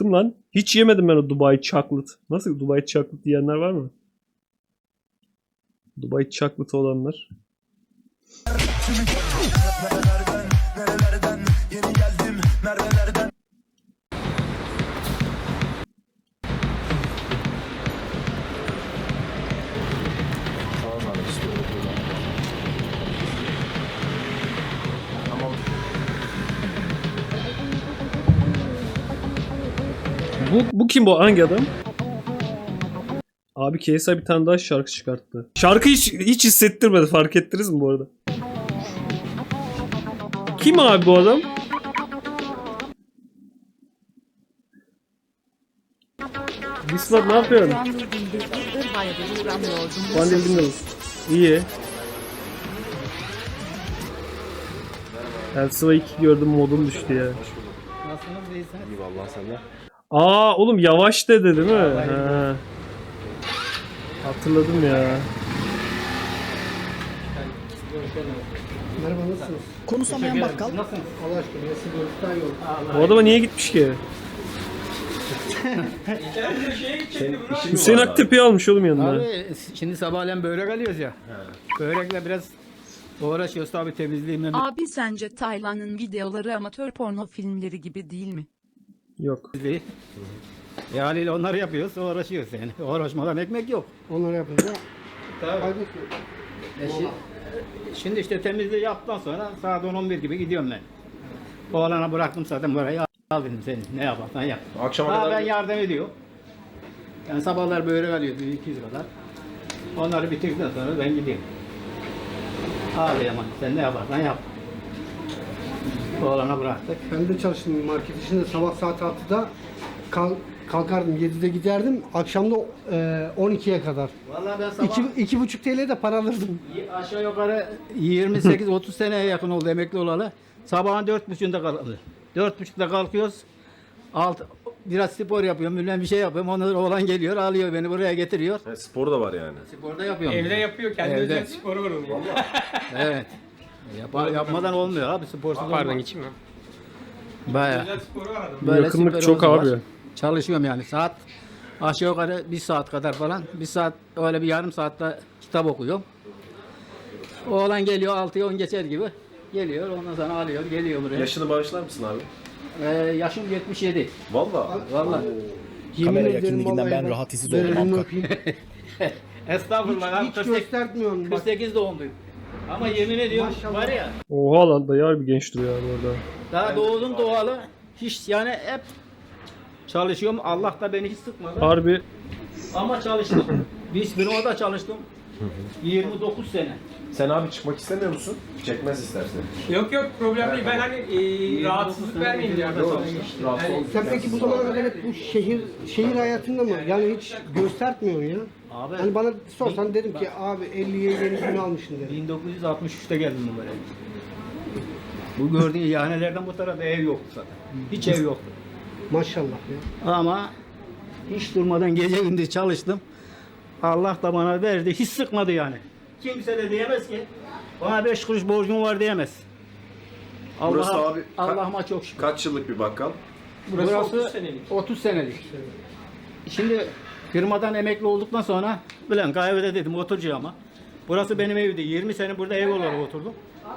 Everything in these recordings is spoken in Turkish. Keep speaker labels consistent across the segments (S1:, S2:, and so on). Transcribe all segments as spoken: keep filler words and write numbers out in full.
S1: Acıktım lan. Hiç yemedim ben o Dubai Chocolate. Nasıl Dubai Chocolate diyenler var mı? Dubai Chocolate olanlar. Bu, bu kim bu? Hangi adam? Abi K S I bir tane daha şarkı çıkarttı. Şarkı hiç, hiç hissettirmedi. Fark ettiniz mi bu arada? Kim abi bu adam? Discord ne yapıyorsun? Bandil dinliyoruz. İyi. Elsiva iki gördüm, modum düştü ya.
S2: Nasılsınız, iyisiniz?
S3: İyi vallahi senden.
S1: Aa oğlum yavaş dedi değil mi? Ha. Hatırladım ya.
S2: Merhaba, nasılsınız?
S4: Konuşamayan bakkal.
S2: Nasılsınız? Allah aşkına, nasıl görüşten yok.
S1: Bu adama niye gitmiş ki? Hüseyin Aktepe'yi almış oğlum yanına.
S2: Abi şimdi sabahleyin börek alıyoruz ya. Börekle biraz uğraşıyoruz tabii temizliğimle.
S4: Abi sence Taylan'ın videoları amatör porno filmleri gibi değil mi?
S1: Yok.
S2: E haliyle onları yapıyoruz, uğraşıyoruz yani. Uğraşmadan ekmek yok.
S5: Onları yapınca
S2: Tabii. E şi- şimdi işte temizliği yaptıktan sonra saat on on bir gibi gidiyorum ben. Oğlana bıraktım zaten burayı, al dedim seni ne yaparsan yap.
S3: Akşama
S2: Ha,
S3: kadar
S2: ben yardım ediyorum. Yani sabahlar börek alıyordu iki yüz kadar. Onları bitirdikten sonra ben gidiyorum. Abi aman sen ne yaparsan yap. Oğlana bıraktık.
S5: ben de çalıştım market işinde. Sabah saat altıda kalk, kalkardım, yedide giderdim. Akşamda e, on ikiye kadar.
S2: Vallahi ben sabah
S5: iki, iki buçuk T L'ye de para alırdım.
S2: aşağı yukarı yirmi sekiz otuz seneye yakın oldu emekli olalı. Sabahın dört buçukta kalkıyoruz. Dört buçukta kalkıyoruz. Alt, biraz spor yapıyorum, bilmem bir şey yapıyorum. Ondan oğlan geliyor, alıyor beni buraya getiriyor.
S3: He, spor da var yani.
S2: Sporda yapıyorum.
S6: Evde yapıyor, kendi
S2: Evde.
S6: özel sporu var onun.
S2: Evet. Yap, yapmadan olmuyor abi, sporsuz
S6: Pardon
S2: olmaz.
S6: geçeyim mi?
S2: Baya.
S6: Özel sporu var adamın.
S2: Böyle
S1: Yakınlık
S2: sporumuz
S1: çok
S2: var.
S1: abi.
S2: Çalışıyorum yani saat aşağı yukarı bir saat kadar falan. Bir saat öyle bir yarım saatte kitap okuyorum. Oğlan geliyor altıya on geçer gibi. Geliyor ondan sonra alıyor geliyor buraya.
S3: Yaşını bağışlar mısın abi?
S2: Ee, yaşım yetmiş yedi.
S3: Vallahi.
S2: Vallahi.
S5: Yemin
S7: Kamera
S5: ederim
S7: yakınlığından
S5: vallahi
S7: ben
S5: bak,
S7: rahatsız
S5: böyle
S7: oldum
S5: elini
S7: Hakkı.
S5: öpeyim.
S2: Estağfurullah.
S5: Hiç, hiç göstermiyorum. Bak,
S2: kırk sekiz doğumluyum. Ama yemin ediyorum
S5: Maşallah.
S2: var ya
S1: Oha lan dayı harbi genç duruyor abi orada.
S2: daha doğdum doğalı hiç yani hep çalışıyorum. Allah da beni hiç sıkmadı.
S1: Harbi
S2: Ama çalıştım. Biz Bino'da çalıştım. yirmi dokuz sene.
S3: Sen abi çıkmak istemiyor musun? Çekmez istersen.
S6: Yok yok problem değil. Ben hani e, rahatsızlık vermeyeyim diye.
S2: Yok,
S3: Rahatsız ol.
S5: sen peki bu zamana kadar hep bu şehir şehir hayatında mı? Yani hiç göstermiyorsun ya.
S2: Abi
S5: Hani bana sorsan dedim ki abi elliye yeni gün almışsın dedim.
S2: bin dokuz yüz altmış üçte geldim bu böyle. Bu gördüğün ihanelerden bu tarafta ev yoktu zaten. Hiç ev yoktu.
S5: Maşallah ya.
S2: Ama hiç durmadan gece gündüz çalıştım. Allah da bana verdi. Hiç sıkmadı yani. Kimse de diyemez ki bana beş kuruş borcum var diyemez.
S3: Burası
S2: Allah'a-
S3: abi ka-
S2: Allah'ıma çok şükür.
S3: Kaç yıllık bir bakkal?
S2: Burası,
S6: otuz senelik.
S2: otuz senelik. Şimdi firmadan emekli olduktan sonra bilen kahvede dedim oturacağım ama. Burası benim evdi. yirmi sene burada ev olarak oturdum.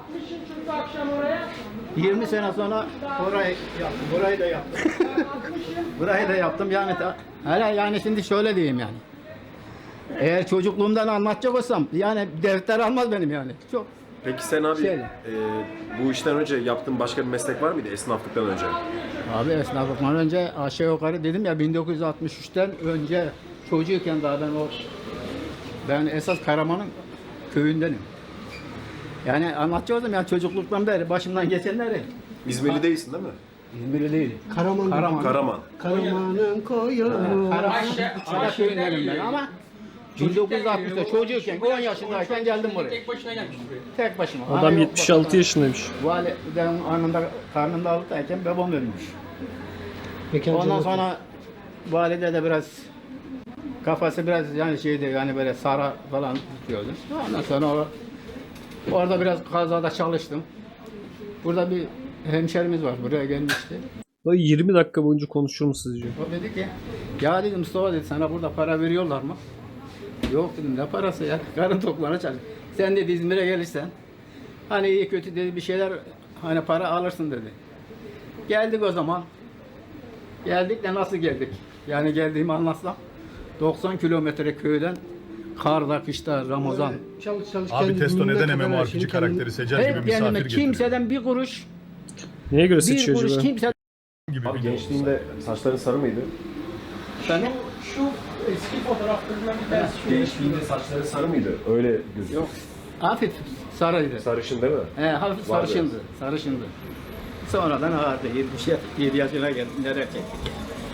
S2: yirmi sene sonra orayı yaptım. Burayı da yaptım. Burayı da yaptım. Yani ta- hala yani şimdi şöyle diyeyim yani. Eğer çocukluğumdan anlatacak olsam yani defter almaz benim yani. Çok
S3: Peki sen abi
S2: Şöyle.
S3: e, bu işten önce yaptığın başka bir meslek var mıydı esnaflıktan önce?
S2: Abi esnaflıktan önce aşağı yukarı dedim ya bin dokuz yüz altmış üçten önce çocuğuyken daha ben o ben esas Karaman'ın köyündenim. Yani anlatacaktım yani çocukluktan beri başımdan geçenleri.
S3: İzmirli değilsin değil mi?
S2: İzmirli değil.
S5: Karaman.
S2: Karaman.
S3: Karaman.
S5: Karaman'ın koyu.
S2: Karaman.
S6: Aşağı-
S2: Ara
S6: aşağı
S2: köyündenim ben
S6: geliyor.
S2: ama bin dokuz yüz altmışta çocuğuyken on yaşındayken geldim buraya.
S6: Tek başına gelmiş buraya.
S2: Tek başıma.
S1: adam
S2: Ana yok,
S1: yetmiş altı
S2: baba.
S1: yaşındaymış.
S2: Validem anında karnında alıktayken babam ölmüş.
S5: Mekan
S2: Ondan
S5: cennet.
S2: sonra valide de biraz kafası biraz yani şeydi yani böyle sara falan tutuyordu. Ondan sonra o- orada biraz kazada çalıştım. Burada bir hemşerimiz var buraya gelmişti.
S1: Böyle yirmi dakika boyunca konuşur mu sizce?
S2: O dedi ki ya dedim Mustafa dedi sana burada para veriyorlar mı? Yok dedim ne parası ya karın tokluğuna çalış. Sen dedi İzmir'e gelirsen hani iyi kötü dedi bir şeyler hani para alırsın dedi. Geldik o zaman. Geldik de nasıl geldik? Yani geldiğimi anlatsam doksan kilometre köyden karda kışta Ramazan.
S5: Çalış çalış.
S7: Abi
S5: kendi
S7: Testo
S5: gününe
S7: neden
S5: kadar her
S7: MMORPG
S5: şeyini
S7: karakteri Secel gibi
S2: Hep
S7: misafir
S2: kendime
S7: getiriyor?
S2: kimseden bir kuruş
S1: Neye göre
S2: bir
S1: seçiyor
S2: kuruş
S1: acaba?
S2: kimse
S7: gibi
S3: Abi
S7: video.
S3: gençliğinde saçların sarı mıydı?
S2: Efendim?
S6: Şu eski fotoğraflarından bir tanesi şu.
S3: Gençliğinde saçları sarı mıydı? Öyle gözüküyor.
S2: Yok. Hafif sarıydı.
S3: Sarışın değil mi?
S2: He, hafif
S3: Var
S2: sarışındı. Sarışındı. Sonradan ağırdı. yedi yaşına geldim. Nereye çektik?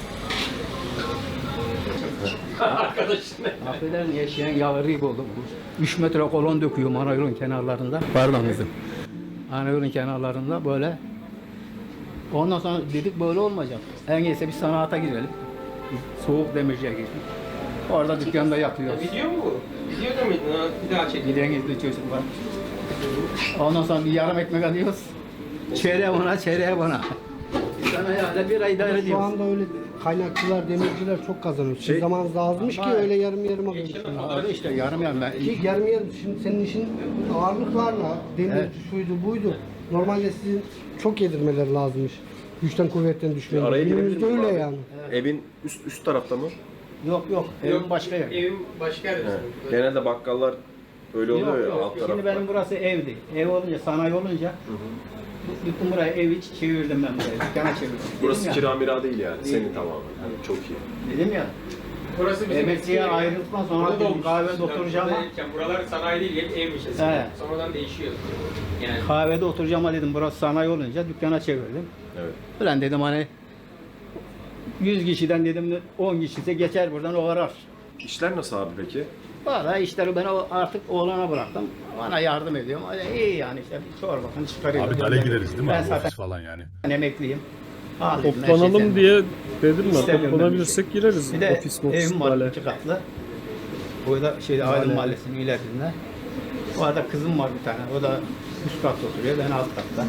S6: Arkadaşın.
S2: Affedersin yaşayan yağrıyık oldum. üç metre kolon döküyorum ana yolun kenarlarında. Pardon kızım. Ana yolun kenarlarında böyle. Ondan sonra dedik böyle olmayacak. En iyisi bir sanata girelim. Soğuk demirciye girdik. Orada dükkanda yatıyoruz.
S6: Video mu bu? Video da mıydın? Ha, bir daha çek.
S2: Giden gizli çocuk var. Ondan sonra bir yarım ekmek alıyoruz. Çeyreğe bana, çeyreğe bana. Sana ya bir ay idare
S5: Şu
S2: ediyoruz.
S5: anda öyle kaynakçılar, demirciler çok kazanıyor. Sizin
S3: Şey-
S5: zamanınızda azmış ki
S2: Ama-
S5: öyle yarım yarım alıyorsunuz.
S2: Öyle işte yarım yarım. Ben
S5: Ki yarım yarım şimdi senin işin ağırlıklarla, demir
S2: Evet.
S5: şuydu buydu. Normalde sizin çok yedirmeleri lazımmış. Güçten kuvvetten düşmeyin.
S3: Araya girebilir
S5: Günümüzde
S3: miyim
S5: öyle
S3: abi?
S5: yani.
S3: Evin üst üst tarafta mı?
S2: Yok yok. Evim başka yer.
S6: Evim başka yerde.
S3: He. Genelde bakkallar öyle oluyor
S2: Yok,
S3: ya
S2: yok.
S3: alt
S2: Şimdi
S3: tarafta.
S2: benim burası evdi. Ev olunca, sanayi olunca bu- bütün burayı ev hiç çevirdim ben burayı. Dükkana çevirdim.
S3: Burası
S2: Dedim ya,
S3: kira mira değil yani. Senin tamamen. Yani çok iyi.
S2: Dedim ya.
S6: Burası bizim
S2: Emekliye
S6: eski ev.
S2: ayrıldıktan sonra
S6: Burada
S2: dedim,
S6: olmuş.
S2: kahvede
S6: Yani
S2: oturacağım ama-
S6: buradayken Buralar sanayi değil, hep evmiş eskiden.
S2: He.
S6: Sonradan değişiyor. Yani
S2: Kahvede oturacağım ama dedim burası sanayi olunca dükkana çevirdim.
S3: Evet.
S2: Ulan dedim hani yüz kişiden dedim on kişisi geçer buradan o arar.
S3: İşler nasıl abi peki?
S2: Valla işleri ben o- artık oğlana bıraktım. Bana yardım ediyorum. Öyle iyi yani işte bir çorbasını çıkarıyorum.
S7: Abi dale gireriz değil mi
S2: Ben
S7: abi
S2: zaten
S7: ofis falan yani.
S2: emekliyim. Al dedim, her şey
S1: Toplanalım
S2: senin.
S1: diye dedim mi?
S2: İstemiyorum ben
S1: Toplanabilirsek gireriz.
S2: Bir de
S1: Ofis mofis
S2: evim var
S1: böyle.
S2: iki katlı. Burada şeyde Aydın Mahallesi'nin ilerisinde. Orada kızım var bir tane. O da üst katta oturuyor. Ben alt katta.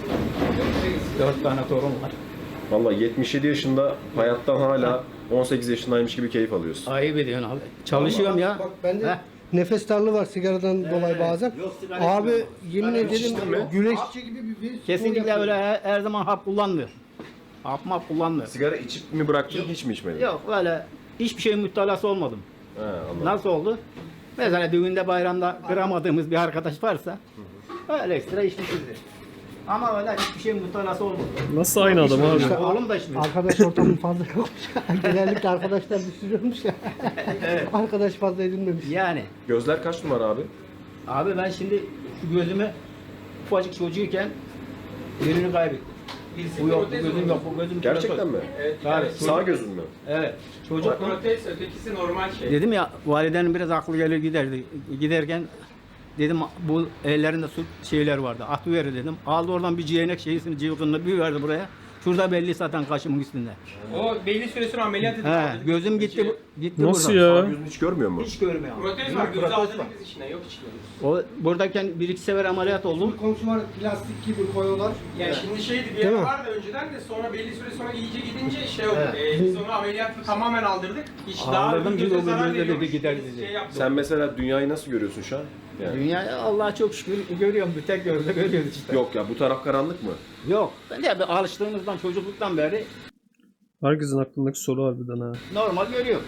S2: Dört tane torun var.
S3: Vallahi yetmiş yedi yaşında hayattan hala on sekiz yaşındaymış gibi keyif alıyorsun.
S2: Ayıp ediyorsun abi. Çalışıyorum ya.
S5: Bak bende
S2: Heh.
S5: nefes darlığı var sigaradan dolayı bazen.
S2: yok, sigara
S5: Abi
S2: içmiyorum.
S5: yemin
S2: Sigara
S5: ederim
S2: içtim mi?
S5: güreşçi gibi bir bir spor
S2: Kesinlikle
S5: yapıyorum.
S2: öyle her, her zaman hap kullanmıyor. Hap map kullanmıyor.
S3: Sigara içip mi bıraktın hiç mi içmedin?
S2: Yok öyle hiçbir şeyin müptelası olmadım.
S3: He, anladım.
S2: Nasıl oldu? Mesela düğünde bayramda kıramadığımız bir arkadaş varsa öyle ekstra içmişizdir. Ama öyle hiçbir şeyin müptelası olmadı.
S1: Nasıl aynı adam abi?
S2: İşte oğlum da içmiyor.
S5: Arkadaş ortamı fazla yokmuş. Genellikle arkadaşlar düşürüyormuş ya. Arkadaş fazla edinmemiş.
S2: Yani
S3: Gözler kaç numara abi?
S2: abi ben şimdi şu gözümü ufacık çocuğuyken birini kaybettim. Bu yok, bu gözüm yok, bu gözüm
S3: Gerçekten
S2: protez.
S3: mi?
S6: evet,
S2: Tabii.
S6: yani
S3: Sağ gözün mü?
S2: Evet. Çocuk
S6: protez, ötekisi normal şey.
S2: dedim ya validenin biraz aklı gelir giderdi. Giderken dedim bu ellerinde su şeyler vardı. Atıver dedim. Aldı oradan bir ciğenek şeysini cıvkınını bir verdi buraya. Şurada belli zaten kaşımın üstünde.
S6: O belli süre sonra ameliyat edildi.
S2: He, gözüm gitti bu- gitti
S1: Nasıl
S2: buradan.
S3: Sağ
S1: ya?
S3: gözün hiç görmüyor mu?
S2: Hiç görmüyor.
S6: Protez var, gözü
S2: Protez
S6: aldırdık
S2: var.
S6: biz içine, yok içine.
S2: O buradayken bir iki sefer ameliyat oldum.
S5: Bir komşu var plastik gibi koyuyorlar.
S6: Yani şimdi şeydi bir
S5: Değil
S6: yer
S5: mi?
S6: vardı önceden de sonra belli süre sonra iyice gidince şey oldu.
S2: Evet.
S6: E, biz onu ameliyatla tamamen aldırdık. Hiç daha
S2: Aldırdım,
S6: bir
S2: çünkü
S6: göze
S2: o
S6: zarar
S2: gözde dedi,
S6: veriyormuş.
S2: gider
S6: Biz
S2: dedi.
S6: Şey yaptık.
S3: Sen mesela dünyayı nasıl görüyorsun şu an? Yani.
S2: Dünya Allah'a çok şükür görüyorum. Bir tek gözle görüyoruz işte.
S3: Yok ya bu taraf karanlık mı?
S2: Yok. Ben de bir alıştığımızdan çocukluktan beri
S1: Herkesin aklındaki soru harbiden ha.
S2: normal görüyorum.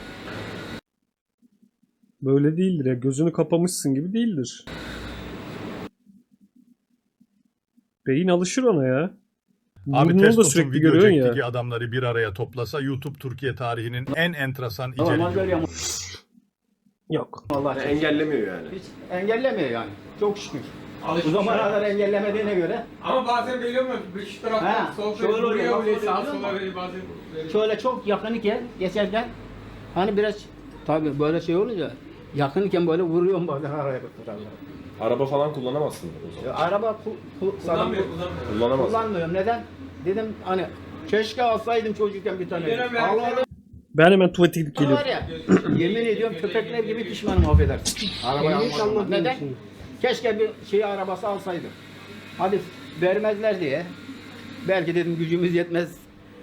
S1: Böyle değildir ya. Gözünü kapamışsın gibi değildir. Beyin alışır ona ya.
S7: Abi
S1: Burnunu da
S7: Testo'nun
S1: sürekli
S7: video
S1: görüyorsun
S7: çektiği
S1: ya.
S7: adamları bir araya toplasa YouTube Türkiye tarihinin en enteresan
S2: Normal
S7: içeriği.
S2: görüyorum.
S1: Yok.
S2: Vallahi
S3: Yani engellemiyor yani.
S2: hiç engellemiyor yani. Çok şükür. Bu
S6: Alışmış
S2: zamana
S6: yani.
S2: kadar engellemediğine göre
S6: Ama bazen böyle olmuyor. Şu
S2: Ha,
S6: taraftan sol
S2: şöyle
S6: böyle
S2: oluyor,
S6: vuruyor
S2: bak
S6: böyle
S2: oluyor,
S6: sağa
S2: biliyor
S6: sola
S2: musun?
S6: böyle bazen böyle.
S2: şöyle çok yakın iken geçerken hani biraz tabii böyle şey olunca yakın iken böyle vuruyorum bazen araya kurtarlar.
S3: Araba falan kullanamazsın o zaman.
S2: Araba ku, ku,
S6: Kullanmıyor, kullanmıyor.
S3: Kullanamazsın.
S2: kullanmıyorum. Neden? Dedim hani keşke alsaydım çocukken bir tane.
S6: Bir dönem verdiler.
S2: Allah'ım
S1: Ben hemen tuvalete gidip
S2: var
S1: geliyorum.
S2: ya. Yemin ediyorum köpekler gibi pişmanım affedersin. Arabayı
S5: Ehliyet
S2: almadım.
S5: almadın
S2: Neden?
S5: şimdi.
S2: Keşke bir şey arabası alsaydım. Hadi vermezler diye. Belki dedim gücümüz yetmez.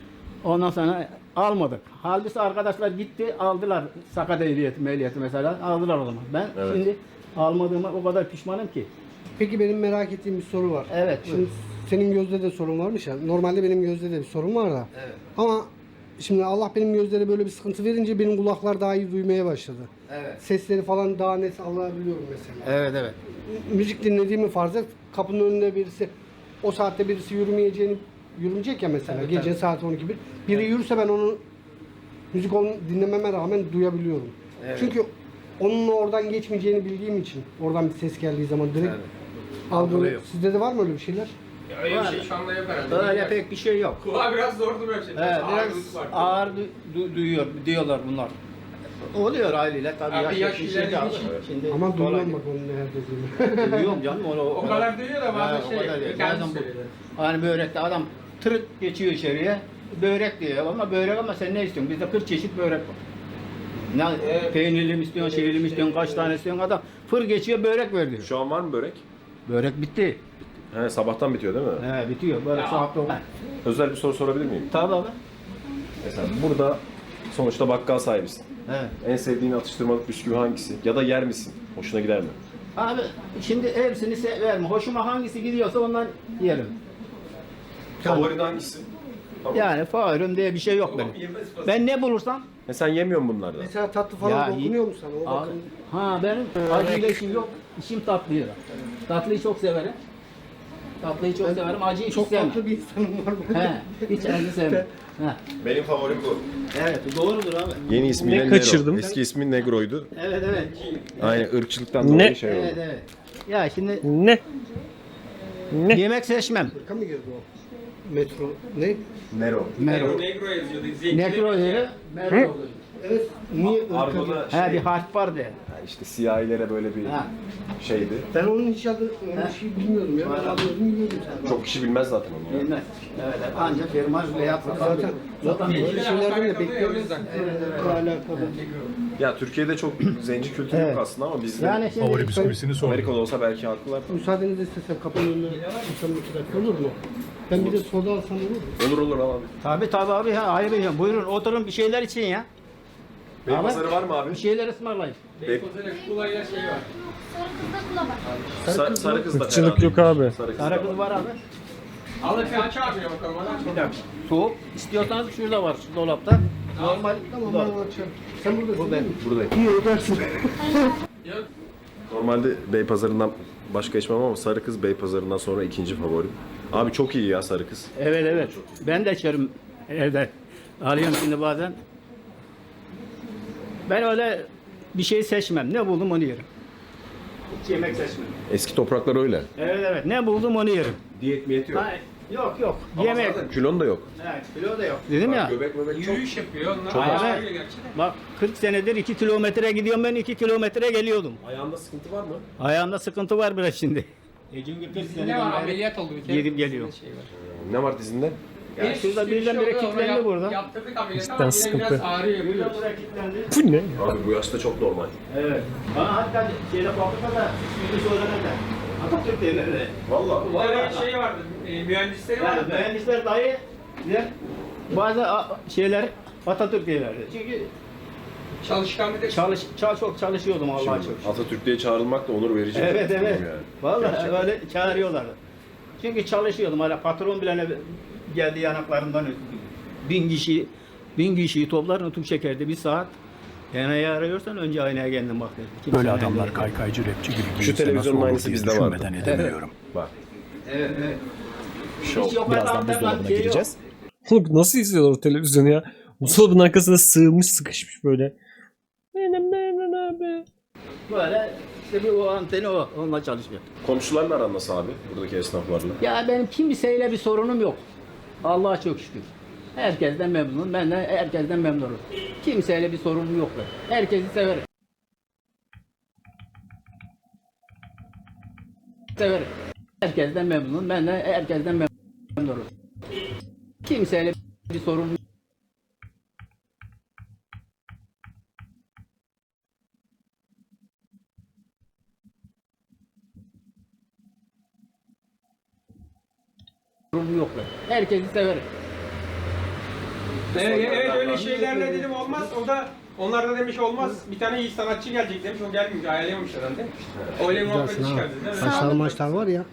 S2: Ondan sonra almadık. Halbuki arkadaşlar gitti aldılar sakat ehliyeti, mehliyeti mesela aldılar o zaman. Ben
S3: Evet.
S2: şimdi almadığıma o kadar pişmanım ki.
S5: Peki benim merak ettiğim bir soru var.
S2: Evet,
S5: Şimdi
S2: buyur.
S5: senin gözde de sorun varmış ya. Normalde benim gözde de bir sorun var da.
S2: Evet.
S5: Ama şimdi Allah benim gözlere böyle bir sıkıntı verince benim kulaklar daha iyi duymaya başladı.
S2: Evet.
S5: Sesleri falan daha net alabiliyorum mesela.
S2: Evet evet.
S5: Müzik dinlediğimi farz et. Kapının önünde birisi, o saatte birisi yürümeyeceğini, yürümeyecek ya mesela.
S2: Tabii,
S5: Gece
S2: tabii.
S5: saat on iki bir. Biri yürürse ben onu müzik onu dinlememe rağmen duyabiliyorum.
S2: Evet.
S5: Çünkü onun oradan geçmeyeceğini bildiğim için oradan bir ses geldiği zaman direkt
S2: Evet.
S5: algılıyorum.
S2: Algılıyor.
S5: Sizde de var mı öyle bir şeyler?
S6: Ya öyle bir şey şu anda yok herhalde.
S2: Öyle pek bir şey yok.
S6: Kulağa biraz zor duruyor şey.
S2: Evet, biraz
S6: Ağırlık var.
S2: ağır du- du- duyuyor diyorlar bunlar. Oluyor aileyle tabii
S6: Abi
S2: yaş,
S6: yaş
S2: bir
S6: ilerlediği
S2: şey
S6: için.
S2: Şimdi
S5: Ama
S2: kolay
S5: duyuyorum
S2: değil.
S5: bak onu ne herkes duyuyor.
S2: Duyuyorum canım onu
S6: O kadar duyuyor da bazen
S2: Ha, o
S6: şey,
S2: kadar değil.
S6: kendisi
S2: Bazen bu-
S6: söylüyor.
S2: Hani börekte adam tırıt geçiyor içeriye. Börek diyor ama börek ama sen ne istiyorsun? Bizde kırk çeşit börek var. Ne
S6: Evet.
S2: peynirli mi istiyorsun, şeyli mi istiyorsun, kaç tane istiyorsun adam fır geçiyor börek ver diyor.
S3: Şu an var mı börek?
S2: Börek bitti.
S3: He, sabahtan bitiyor değil mi?
S2: He bitiyor. Böyle saat dokuz.
S3: Özel bir soru sorabilir miyim?
S2: Tabii abi.
S3: Mesela burada sonuçta bakkal sahibisin.
S2: Evet.
S3: En sevdiğin atıştırmalık bisküvi hangisi? Ya da yer misin? Hoşuna gider mi?
S2: Abi şimdi hepsini severim. Hoşuma hangisi gidiyorsa ondan yerim.
S3: Favorin hangisi? Tamam.
S2: Yani favorim diye bir şey yok benim. Ben ne bulursam
S3: E sen yemiyorsun bunlardan.
S5: Mesela tatlı falan
S2: Ya,
S5: dokunuyor mu sana? O
S2: abi,
S5: bakın.
S2: ha benim acıyla işim yok. İşim tatlıyla. Tatlıyı çok severim. Tatlıyı çok severim. Acıyı hiç
S5: Çok
S2: sevmem.
S5: tatlı bir insanım var bu.
S2: He, hiç acı sevmem. He.
S3: Benim favorim bu.
S2: Evet, doğrudur abi.
S3: Yeni ismiyle
S1: Ne
S3: Nero.
S1: kaçırdım?
S3: Eski ismi Negro'ydu.
S2: Evet, evet.
S3: Aynen ırkçılıktan dolayı
S1: Ne?
S3: şey oldu.
S2: Evet, evet. Ya şimdi
S1: Ne? Ne?
S2: yemek seçmem.
S5: Şaka mı girdi o? Metro ne?
S3: Nero.
S2: Mero.
S6: Negro yazıyordu. Zevkli
S2: Nekro
S6: bir şey.
S2: yeri, Mero oluyor.
S5: Evet. Niye ırka
S3: Argo'da
S5: girdi?
S3: şey,
S2: He, bir harf var de.
S3: ha işte siyahilere böyle bir
S2: Ha.
S3: şeydi.
S5: Ben onun hiç adı öyle bir şey bilmiyordum ya. Ben adını bilmiyordum sen.
S3: Çok kişi bilmez zaten onu. ya.
S2: Bilmez. Evet, evet. Ancak firma veya
S5: Zaten zaten böyle
S6: Bilgiler
S5: şeylerden de
S6: alakalı ya, o
S5: bekliyoruz.
S6: yüzden.
S5: Irkla alakalı.
S3: Ya Türkiye'de çok zenci kültürü
S2: Evet.
S3: yok aslında ama bizde
S2: Yani şimdi
S7: Favori bisküvisini sor.
S3: Amerika'da olsa belki haklılar.
S5: Müsaadenizi istesem kapının önüne çıksam iki dakika olur mu? Ben bir de soda alsam olur mu?
S3: Olur olur al abi.
S2: Tabii tabii abi ha ayrı ya. Buyurun oturun bir şeyler için ya.
S3: Bey
S2: Abi.
S3: pazarı var mı abi?
S2: Bir şeyler ısmarlayın.
S6: Beykoz'da kulayla şey var.
S3: Sa- sarı kız da
S1: Irkçılık
S3: fena
S1: yok
S3: değil.
S1: abi.
S3: Sarı kız da
S2: Kara
S3: var.
S2: kız var abi.
S6: Alın bir aç abi ya bakalım. Hadi.
S2: Bir dakika. Soğuk. İstiyorsanız şurada var şu dolapta. Normal.
S5: Tamam
S2: bu da-
S5: ben açarım. Sen buradasın
S2: Bu
S5: değil
S2: ben.
S5: mi?
S3: Buradayım.
S5: İyi ödersin.
S6: Yok.
S3: Normalde Bey pazarından başka içmem ama sarı kız Bey pazarından sonra ikinci favorim. Abi çok iyi ya sarı kız.
S2: Evet evet. Ben de içerim evde. Alıyorum şimdi bazen. Ben öyle bir şey seçmem. Ne buldum onu yerim. Hiç yemek seçmem.
S3: Eski topraklar öyle.
S2: Evet evet. Ne buldum onu yerim.
S3: Diyet miyet yok.
S2: Ha, yok yok.
S3: Ama
S2: Yemek.
S3: zaten kilon da yok.
S2: Evet, kilo da yok. Dedim ya.
S3: Göbek möbek çok.
S6: Yürüyüş yapıyor. Onlar
S3: Çok
S6: ayağı
S2: az.
S6: öyle gerçi de.
S2: Bak kırk senedir iki kilometre gidiyorum ben iki kilometre geliyordum.
S3: Ayağında sıkıntı var mı?
S2: Ayağımda sıkıntı var biraz şimdi. E çünkü kırk
S6: Ne var ameliyat oldu bir kere.
S2: Gidip geliyor.
S6: Şey var.
S3: Ne var dizinde?
S2: Ya
S6: Bir
S2: şurada
S6: sürü
S2: birden
S6: şey
S2: bire
S6: oldu, ona
S2: kilitlendi
S6: yap-
S2: burada.
S6: Yaptırdık ameliyatı
S1: Cidden
S6: ama yine
S1: sıkıntı.
S6: biraz ağrıyor.
S2: Birden
S6: biliyorsun.
S2: buraya kilitlendi.
S1: Bu ne?
S3: Abi bu yaşta çok normal.
S2: Evet. Bana hatta şeyde fabrikada ismini söylemediler. Atatürk derlerdi.
S3: Valla.
S6: Bir tane şey vardı. E, mühendisleri
S2: Yani
S6: vardı.
S2: mühendisler dahi bize bazı a- şeyler Atatürk derlerdi. Çünkü
S6: Çalışkan bir de
S2: çalış, çal, çok çalışıyordum Allah'a çok.
S3: Atatürk diye çağrılmak da onur verici. bir
S2: Evet
S3: durum
S2: evet.
S3: yani.
S2: Vallahi
S3: Gerçekten.
S2: öyle çağırıyorlardı. Çünkü çalışıyordum. Hala patron bile ne- geldi yanaklarından öptü. Bin kişi bin kişiyi toplar nutuk çekerdi bir saat. Aynayı arıyorsan önce aynaya kendin bak dedi. Kimse
S7: Böyle
S2: aynaya
S7: adamlar
S2: değil.
S7: kaykaycı rapçi gibi
S3: Şu
S7: giyinse nasıl
S3: televizyonun
S7: olur
S3: aynısı
S7: diye
S3: bizde vardı.
S7: düşünmeden edemiyorum.
S3: Bak.
S2: Evet evet.
S3: Şov.
S2: Hiç yok
S7: Birazdan
S2: adamlar,
S7: buzdolabına
S2: şey yok.
S7: gireceğiz.
S1: Oğlum nasıl izliyorlar o televizyonu ya? Buzdolabının arkasına sığmış sıkışmış böyle. Benim benim abi.
S2: Böyle işte bir o anteni o. Onunla çalışıyor.
S3: Komşularla aran nasıl abi? Buradaki esnaflarla.
S2: Ya benim kimseyle bir sorunum yok. Allah'a çok şükür. Herkesten memnunum. Ben de herkesten memnunum. Kimseyle bir sorunum yok. benim. Herkesi severim. Severim. Herkesten memnunum. Ben de herkesten memnunum. Kimseyle bir sorunum yok. Sorunum yok. benim. Herkesi severim.
S6: Evet, evet öyle şeylerle dedim olmaz. O da onlar da demiş olmaz. Bir tane iyi sanatçı gelecek demiş. O gelmiyor. Ayarlayamamış herhalde. Öyle muhabbet
S5: Güzelsin ha.
S6: çıkardı değil mi?
S5: Saçlar maçlar var ya.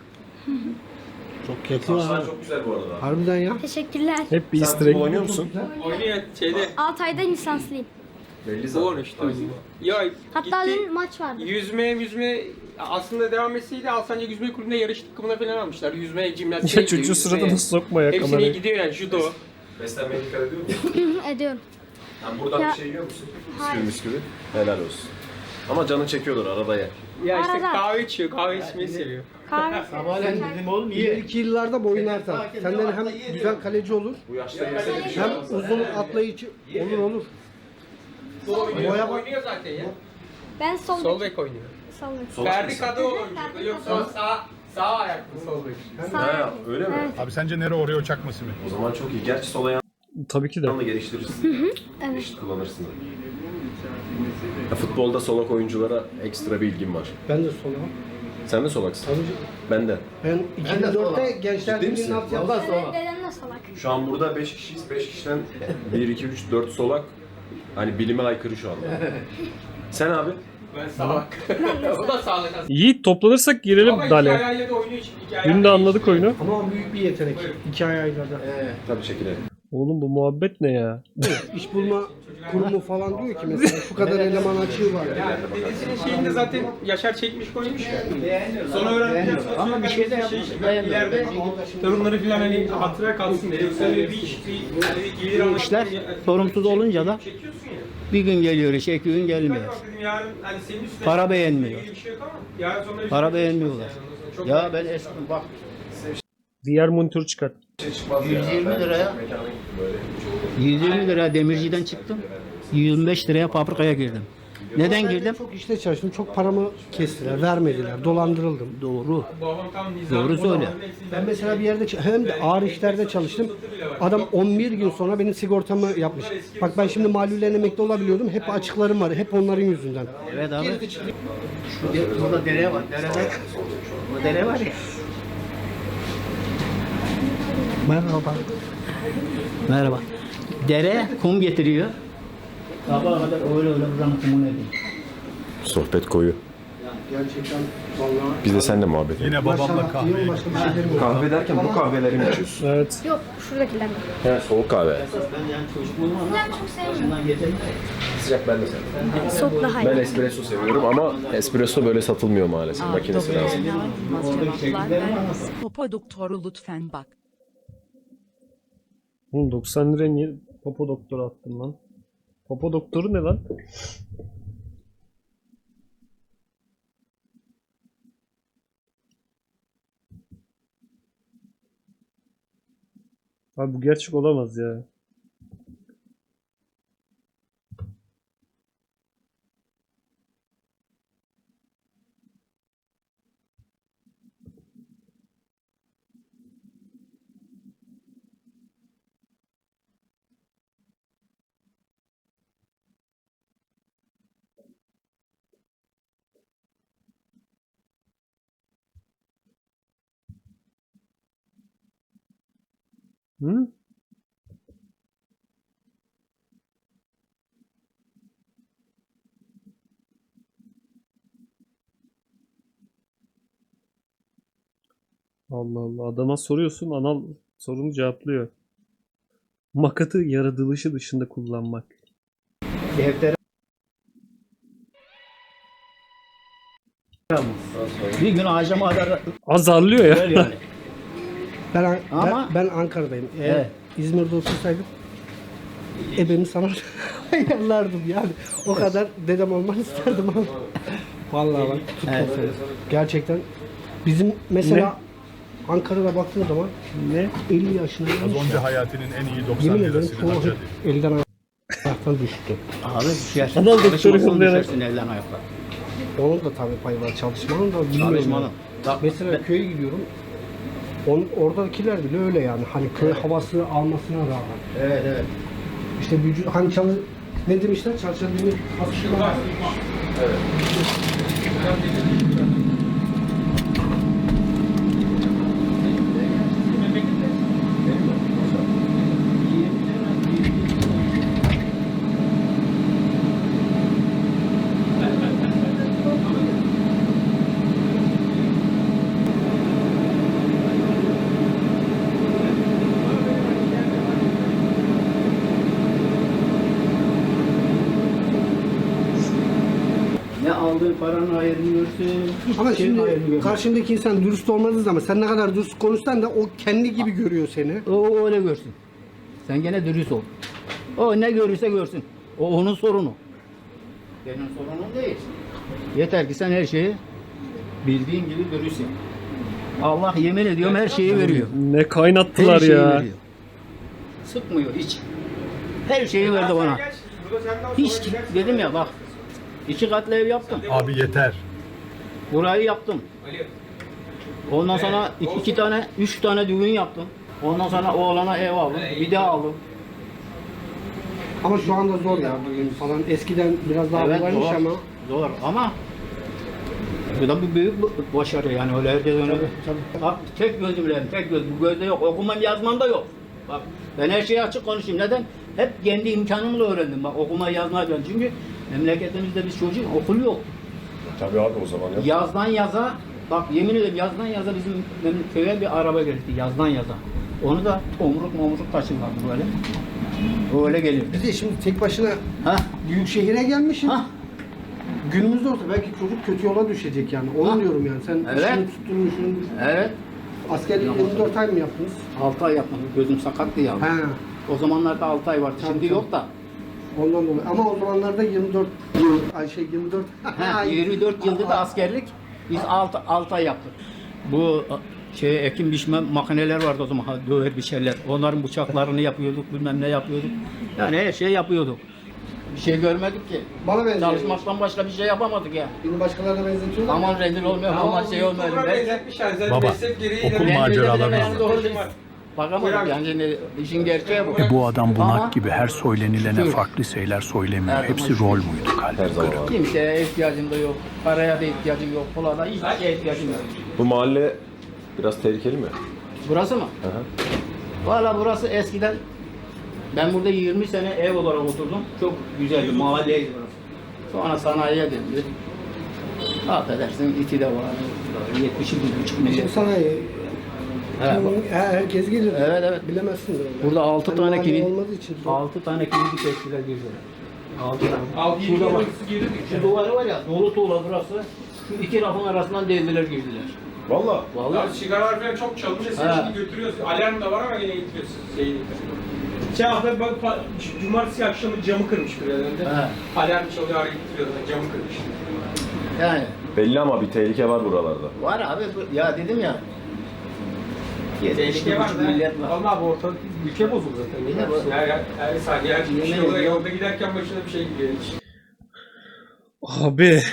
S5: Çok yakıyor
S3: Saçlar
S5: ha.
S3: çok güzel bu arada.
S5: Harbiden ya.
S8: Teşekkürler.
S1: Hep bir
S3: Sen
S1: easter
S3: futbol
S1: egg.
S3: oynuyor musun?
S6: Oynuyor şeyde.
S8: altı ayda lisanslıyım.
S3: Belli zaten.
S6: Doğru işte. Ya
S8: Hatta
S6: gitti.
S8: dün maç vardı.
S6: Yüzme, yüzme aslında devam etseydi Alsancak Yüzme Kulübü'nde yarış takımına falan almışlar. Yüzme, jimnastik.
S1: Ya çocuğu sırada nasıl sokma ya
S6: Hepsine
S1: kamerayı.
S6: gidiyor yani judo.
S3: Beslenmeye dikkat ediyor musun?
S8: Ediyorum.
S3: Yani buradan
S8: Ya-
S3: bir şey yiyor musun?
S8: Hayır.
S3: Bisküvi bisküvi. Helal olsun. Ama canın çekiyordur arada ye.
S6: Ya işte
S8: Arada.
S6: kahve içiyor, kahve içmeyi seviyor.
S8: Kahve.
S2: Sabahleyin dedim oğlum iyi.
S5: İleriki yıllarda boyun artar. Senden hem güzel kaleci olur,
S3: Bu yaşta yese de bir şey
S5: hem
S3: olmaz.
S5: uzun atlayıcı olur olur.
S6: Oynuyor,
S5: Boya bak.
S6: oynuyor zaten ya.
S8: Ben sol,
S6: Sol bek oynuyor.
S8: Sol bek.
S3: Sol
S6: Ferdi
S3: mısın?
S6: Kadıoğlu oynuyor. Yoksa sağ, sağ ayaklı sol bek.
S3: Ha, öyle mi?
S7: Abi sence nere Oreo çakması mı?
S3: O zaman çok iyi. Gerçi sol ayağını
S1: Tabii ki de.
S3: da geliştirirsin.
S8: Evet.
S3: Eşit kullanırsın. Ya, futbolda solak oyunculara ekstra bir ilgim var.
S5: Ben de sola.
S3: Sen de solaksın.
S5: Tabii.
S3: Ben de.
S5: Ben iki bin dörtte Gençler
S3: Ciddi misin?
S5: Birliği'nin altyapısı.
S8: Evet, dedem de salak.
S3: Şu an burada beş kişiyiz. beş kişiden bir, iki, üç, dört solak. Hani bilime aykırı şu anda. Sen abi?
S6: Ben salak. O da sağlık aslında.
S1: Yiğit toplanırsak girelim
S6: Ama iki
S1: Dale.
S6: ayağıyla da oynuyor şimdi. iki ayağıyla
S1: Dün de
S6: da
S1: anladık oyunu.
S5: Ama büyük bir yetenek. İki ay aylarda.
S3: Tabii çekilelim.
S1: Oğlum bu muhabbet ne ya?
S5: İş bulma kurumu falan diyor ki mesela şu kadar eleman açığı var.
S6: Yani dedesinin şeyinde zaten Yaşar çekmiş koymuş ya. Sonra öğreneceğiz.
S2: Ama bir şey de
S6: şey,
S2: yapmış.
S6: ileride torunları falan hani hatıra kalsın diye. Yoksa öyle bir iş, bir, hani bir gelir amaçlı
S2: İşler
S6: bir-
S2: sorumsuz olunca da
S6: çekiyorsun ya.
S2: bir gün geliyor iş, iki gün
S6: Ben
S2: gelmiyor.
S6: bak dedim yarın hani senin üstüne
S2: Para beğenmiyor.
S6: ilgili bir şey yok ama yarın sonra bir
S2: Para
S6: şey
S2: beğenmiyorlar.
S6: çıkmaz yani. Ondan sonra çok
S2: Ya ben eski bak
S1: Diğer monitörü çıkart.
S3: Bir şey çıkmaz
S2: yüz
S3: ya.
S2: yirmi
S3: Ben
S2: liraya
S3: mekana gittim böyle.
S2: yüz yirmi liraya demirciden çıktım. yüz yirmi beş liraya fabrikaya girdim. Neden
S5: Ben de
S2: girdim?
S5: çok işte çalıştım. Çok paramı kestiler, vermediler. Dolandırıldım.
S2: Doğru.
S6: Babam tam nizam.
S2: Doğru söyle.
S5: Ben mesela bir yerde ç- hem de ağır işlerde çalıştım. Adam on bir gün sonra benim sigortamı yapmış. Bak ben şimdi malulen emekli olabiliyordum. Hep açıklarım var. Hep onların yüzünden.
S2: Evet abi. Şu de- burada dere var. Derede. Bu dere var ya. Merhaba. Merhaba. Dere kum getiriyor. Sabaha kadar öyle öyle buranın kumunu edin.
S3: Sohbet koyu.
S5: Gerçekten vallahi
S3: Biz de seninle muhabbet edelim.
S7: Yine babamla kahve.
S5: Yok, başka bir şey demiyorum.
S3: Kahve derken bu kahveleri mi içiyorsun?
S1: Evet.
S8: Yok, şuradakiler.
S3: He, soğuk kahve.
S2: Ben yani çocukluğum ama
S8: Ben çok sevmiyorum.
S2: başından getirdim.
S3: Sıcak ben de seviyorum.
S8: Soğuk daha
S3: Ben
S8: iyi.
S3: espresso seviyorum ama espresso böyle satılmıyor maalesef. Makinesi lazım.
S4: Cevaplar vermez. Popo doktoru lütfen bak.
S1: Oğlum doksan liraya niye Popo doktoru attın lan? Popo doktoru ne lan? Abi bu gerçek olamaz ya. Hı? Allah Allah. Adama soruyorsun, anal sorunu cevaplıyor. Makatı yaratılışı dışında kullanmak.
S2: Deftere bir gün ağacıma kadar
S1: Azarlıyor ya.
S2: ver yani.
S5: Ben, An-
S2: Ama-
S5: ben, ben Ankara'dayım. Eğer
S2: Evet.
S5: İzmir'de otursaydım ebemi sana ayarlardım yani. O kadar dedem olmanı isterdim ama. Vallahi bak tutma
S2: Evet.
S5: seni. Gerçekten bizim mesela Ankara'da baktığın zaman
S1: Ne?
S5: elli yaşına
S7: Az
S5: gelmiş
S7: önce
S5: ya.
S7: hayatının en iyi doksan
S5: Yemin ederim
S7: lirasını
S5: çoğu
S7: harcadı.
S5: hep elden ayaktan düştü.
S2: Abi düşersin.
S1: Anal doktoru
S2: Çalışmasın
S1: yollayarak.
S2: düşersin elden ayakla.
S5: Onun da tabii payı var çalışmanın da bilmiyorum.
S2: Çalışmanın.
S5: yani.
S2: Bak,
S5: Mesela köye gidiyorum. On, oradakiler bile öyle yani. Hani köy havası almasına rağmen.
S2: Evet evet.
S5: İşte vücut hani çalı ne demişler? Çalışan demir hafifliği var.
S2: aldığın paranın hayrını görsün. Hiçbir
S5: Ama
S2: şeyin hayrını
S5: şimdi
S2: görmez.
S5: karşındaki insan dürüst olmadığı zaman sen ne kadar dürüst konuşsan da o kendi gibi görüyor seni.
S2: O, o öyle görsün. Sen gene dürüst ol. O ne görürse görsün. O onun sorunu. Benim sorunum değil. Yeter ki sen her şeyi bildiğin gibi dürüst yap. Allah yemin ediyorum her şeyi veriyor.
S1: Ne
S2: Her
S1: kaynattılar
S2: şeyi
S1: ya.
S2: veriyor. Sıkmıyor hiç. Her şeyi verdi bana. Hiç dedim ya bak. İki katlı ev yaptım.
S7: Abi yeter.
S2: Burayı yaptım. Ondan sonra iki, iki tane, üç tane düğün yaptım. Ondan sonra oğlana ev aldım. Bir daha aldım.
S5: Ama şu anda zor ya bugün falan. Eskiden biraz daha kolaymış
S2: zor,
S5: ama.
S2: Zor ama bu da bir büyük bu- başarı yani öyle herkes öyle. Bak tek gözümle, tek göz. Bu gözde yok. Okumam yazmam da yok. Bak ben her şeyi açık konuşayım. Neden? Hep kendi imkanımla öğrendim. Bak okuma yazma öğrendim. Çünkü memleketimizde biz çocuğun okul yok.
S3: Tabii abi o zaman yok.
S2: Yazdan yaza, bak yemin ederim yazdan yaza bizim, benim köye bir araba geldi. Yazdan yaza. Onu da omuruk momuruk taşırlardı böyle. Öyle gelirdi.
S5: Bir de şimdi tek başına
S2: Ha?
S5: büyük şehire gelmişsin.
S2: Ha?
S5: Günümüzde olsa belki çocuk kötü yola düşecek yani. Onu
S2: Ha.
S5: diyorum yani. Sen
S2: Evet.
S5: işini tutturmuşsun.
S2: Evet.
S5: Askerlik yirmi dört ay mı yaptınız?
S2: altı ay yapmadım. Gözüm sakattı ya.
S5: He.
S2: O zamanlarda altı ay vardı.
S5: Tabii,
S2: Şimdi
S5: tabii.
S2: yok da.
S5: Ondan dolayı. Ama o zamanlarda yirmi dört yıl, ay şey yirmi dört.
S2: Ha, yirmi dört yılda da askerlik. Biz altı ay yaptık. Bu şey ekim biçme makineler vardı o zaman. ha, Döver biçerler. Onların bıçaklarını yapıyorduk. Bilmem ne yapıyorduk. Yani her şey yapıyorduk. Bir şey görmedik ki.
S5: Bana benziyor.
S2: Çalışmaktan başka bir şey yapamadık ya.
S5: Beni başkalarına benzetiyorlar.
S2: Aman rezil olmuyor, aman şey olmuyor.
S6: Sonra
S2: Ben
S6: benzetmişler. Zaten
S7: Baba,
S6: meslek gereği
S7: okul
S6: de-
S7: maceralarına
S6: Ben-
S2: Yani doğru değil.
S6: Buyur
S2: Bakamadık
S6: abi.
S2: yani şimdi işin gerçeği bu.
S7: E bu adam bunak
S2: Ama
S7: gibi her söylenilene
S2: şükür.
S7: farklı şeyler söylemiyor.
S2: Her
S7: Hepsi
S2: zaman
S7: rol
S2: şükür.
S7: muydu
S3: Her
S7: kalbi
S3: zaman
S7: kırık.
S3: abi.
S2: Kimseye ihtiyacım da yok. Paraya da ihtiyacım yok. Pula da hiçbir şeye ihtiyacım yok.
S3: Bu mahalle biraz tehlikeli mi?
S2: Burası mı?
S3: Hı hı.
S2: Valla burası eskiden ben burada yirmi sene ev olarak oturdum. Çok güzeldi, mahalleydi burası. Sonra sanayiye döndü. Affedersin iti de var. yetmiş bir buçuk milyon.
S5: Şimdi sanayi.
S2: Evet, bak.
S5: Kim- her- herkes gelir.
S2: Evet, evet.
S5: Bilemezsin de.
S2: Burada altı
S5: Hani
S2: tane
S5: mahalle
S2: kilit,
S5: olmadığı için.
S2: altı tane kilidi kestiler girdiler. Altı tane.
S6: Altı
S2: Şurada
S6: yedi
S2: bak.
S6: yıl girdik.
S2: Şu duvarı var ya, dolu tuğla burası. Şu iki rafın arasından devriler girdiler.
S3: Valla.
S2: Vallahi.
S6: Ya sigaralar falan çok çalınca sen
S2: Ha.
S6: şimdi götürüyorsun. Alarm da var ama yine getiriyorsun. Şeyi. Şey abi bak pa- cumartesi akşamı camı kırmış biraz önce.
S2: Ha.
S6: Alarm çalıyor arayıp getiriyordu. Camı kırmış.
S2: Yani
S3: Belli ama bir tehlike var buralarda.
S2: var abi, bu- ya dedim ya. yetmiş
S6: Tehlike var
S2: buçuk
S6: da.
S2: millet var.
S6: Vallahi bu ortalık ülke bozuldu zaten.
S2: Yine
S6: Her,
S2: bu-
S6: her, her saniye her bir şey
S2: Yemin
S6: oluyor.
S2: ediyorum.
S6: Yolda giderken başına bir şey gidiyor hiç.
S1: Abi.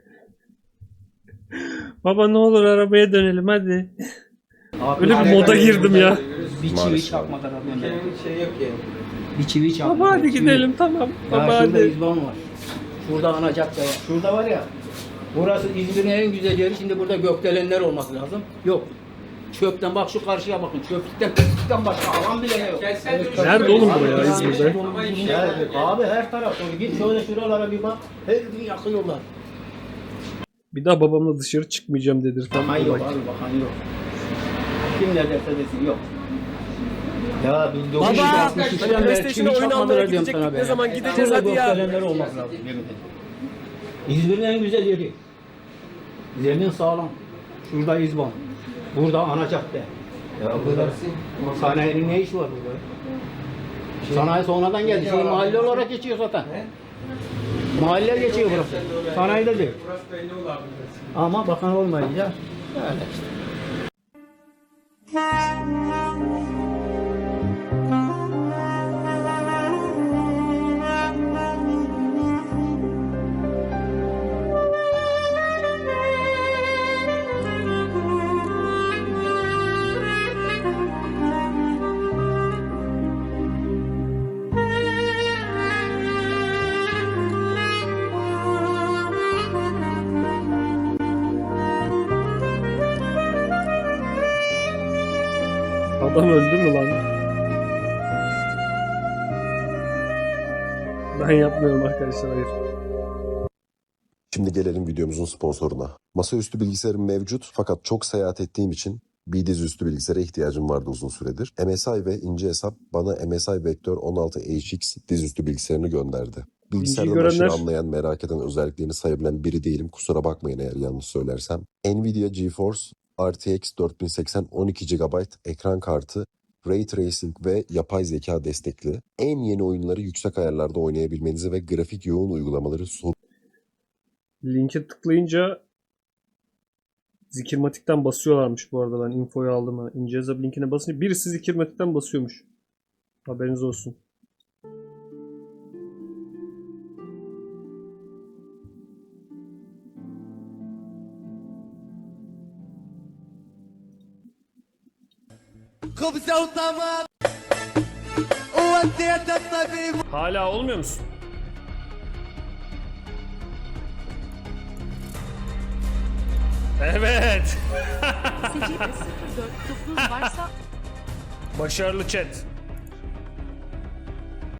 S1: Baba ne olur arabaya dönelim hadi.
S2: Abi,
S1: Öyle bir
S2: hala-
S1: moda girdim ya.
S2: Bir çivi
S3: Maalesef.
S2: çakmadan adam ben.
S6: Ülkenin şey yok yani.
S2: Bir çivi çakmadan.
S1: Baba hadi
S2: çivi.
S1: gidelim tamam.
S2: Ya
S1: Baba
S2: şurada
S1: hadi.
S2: İzban var. Şurada ana cadde var. Şurada var ya. Burası İzmir'in en güzel yeri. Şimdi burada gökdelenler olması lazım. Yok. Çöpten bak şu karşıya bakın. Çöplükten, pislikten başka alan bile yok.
S6: Gelsen dönüş-
S1: Nerede oğlum bu ya
S6: Abi,
S1: İzmir'de?
S6: Ama hiçbir şey
S2: Ya,
S6: yok.
S2: abi her taraf dolu. Git şöyle şuralara bir bak. Her gün yakıyorlar.
S1: Bir daha babamla dışarı çıkmayacağım dedirten.
S2: Bakan yok abi, bakan yok. Kim ne derse desin yok. Ya bin dokuz yüz altmış üçten beri
S1: PlayStation'a
S2: çivi
S1: oyun
S2: çakmadılar
S1: almaya
S2: diyorum
S1: gidecektik.
S2: sana be.
S1: Ne zaman gideceğiz
S2: Şurada
S1: hadi ya.
S2: gökdelenler olması lazım. yemin ederim. İzmir'in en güzel yeri. Zemin sağlam. Şurada İzban. Burada ana cadde. Ya burada sanayinin ne işi var burada? Sanayi sonradan geldi. Şimdi mahalle olarak geçiyor zaten. Mahalle geçiyor burası. Sanayide değil.
S6: Burası belli oldu abi.
S2: Ama bakan olmayınca öyle işte.
S1: Adam öldü mü lan? Ben yapmıyorum arkadaşlar hayır.
S9: Şimdi gelelim videomuzun sponsoruna. Masaüstü bilgisayarım mevcut fakat çok seyahat ettiğim için bir dizüstü bilgisayara ihtiyacım vardı uzun süredir. M S I ve ince hesap bana M S I Vector on altı H X dizüstü bilgisayarını gönderdi. Bilgisayardan
S1: görenler-
S9: aşırı anlayan, merak eden, özelliklerini sayabilen biri değilim. Kusura bakmayın eğer yanlış söylersem. Nvidia GeForce R T X dört bin seksen on iki gigabayt ekran kartı, Ray Tracing ve yapay zeka destekli. En yeni oyunları yüksek ayarlarda oynayabilmenizi ve grafik yoğun uygulamaları sorun
S1: Linke tıklayınca Zikirmatik'ten basıyorlarmış bu arada. Ben infoyu aldım. Ha. İncezab linkine basınca birisi Zikirmatik'ten basıyormuş. Haberiniz olsun. Hala olmuyor musun? Evet.
S4: Secde sıfır dört dokuz varsa
S1: Başarılı chat.